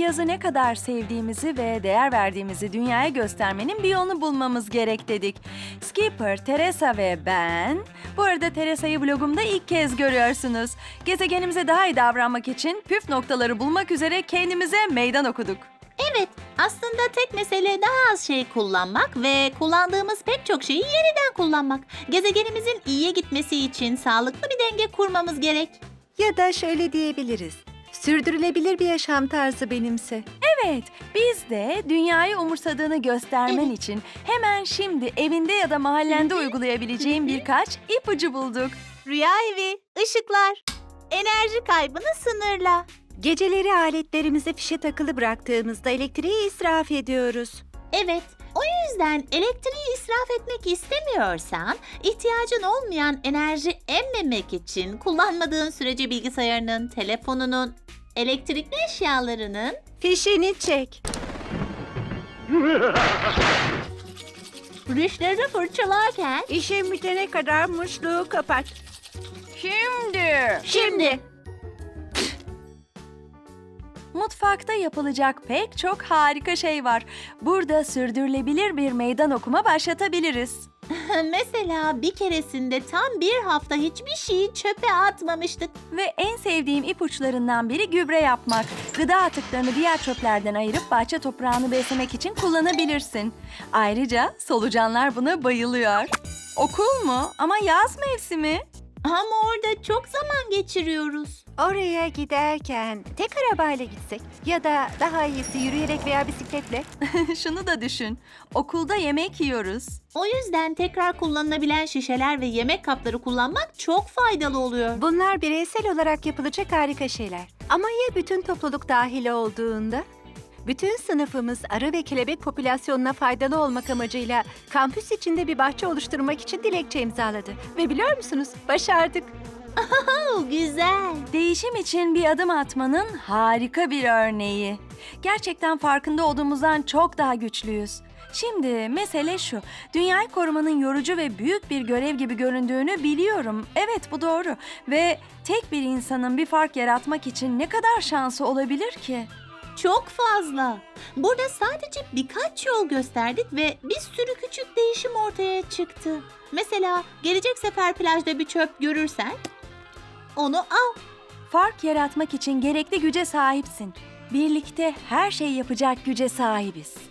yazı ne kadar sevdiğimizi ve değer verdiğimizi dünyaya göstermenin bir yolunu bulmamız gerek dedik. Skipper, Teresa ve ben... Bu arada Teresa'yı vlogumda ilk kez görüyorsunuz. Gezegenimize daha iyi davranmak için püf noktaları bulmak üzere kendimize meydan okuduk. Evet, aslında tek mesele daha az şey kullanmak ve kullandığımız pek çok şeyi yeniden kullanmak. Gezegenimizin iyiye gitmesi için sağlıklı bir denge kurmamız gerek. Ya da şöyle diyebiliriz. Sürdürülebilir bir yaşam tarzı benimse. Evet, biz de dünyayı umursadığını göstermen için hemen şimdi evinde ya da mahallende uygulayabileceğin birkaç ipucu bulduk. Rüya evi, ışıklar, enerji kaybını sınırla. Geceleri aletlerimize fişe takılı bıraktığımızda elektriği israf ediyoruz. Evet, o yüzden elektriği israf etmek istemiyorsan, ihtiyacın olmayan enerji emmemek için kullanmadığın sürece bilgisayarının, telefonunun, elektrikli eşyalarının Fişini çek. rüşleri fırçalarken İşin bitene kadar musluğu kapat. şimdi Mutfakta yapılacak pek çok harika şey var. Burada sürdürülebilir bir meydan okuma başlatabiliriz. mesela bir keresinde tam bir hafta hiçbir şeyi çöpe atmamıştık. Ve en sevdiğim ipuçlarından biri gübre yapmak. Gıda atıklarını diğer çöplerden ayırıp bahçe toprağını beslemek için kullanabilirsin. Ayrıca solucanlar buna bayılıyor. Okul mu? Ama yaz mevsimi. Ama orada çok zaman geçiriyoruz. Oraya giderken tek arabayla gitsek ya da daha iyisi yürüyerek veya bisikletle. Şunu da düşün. Okulda yemek yiyoruz. O yüzden tekrar kullanılabilen şişeler ve yemek kapları kullanmak çok faydalı oluyor. Bunlar bireysel olarak yapılacak harika şeyler. Ama ya bütün topluluk dahil olduğunda? Bütün sınıfımız arı ve kelebek popülasyonuna faydalı olmak amacıyla kampüs içinde bir bahçe oluşturmak için dilekçe imzaladı. Ve biliyor musunuz? Başardık. Güzel. Değişim için bir adım atmanın harika bir örneği. Gerçekten farkında olduğumuzdan çok daha güçlüyüz. Şimdi mesele şu, dünyayı korumanın yorucu ve büyük bir görev gibi göründüğünü biliyorum. Evet, bu doğru. Ve tek bir insanın bir fark yaratmak için ne kadar şansı olabilir ki? Çok fazla. Burada sadece birkaç yol gösterdik ve bir sürü küçük değişim ortaya çıktı. Mesela gelecek sefer plajda bir çöp görürsen onu al. Fark yaratmak için gerekli güce sahipsin. Birlikte her şeyi yapacak güce sahibiz.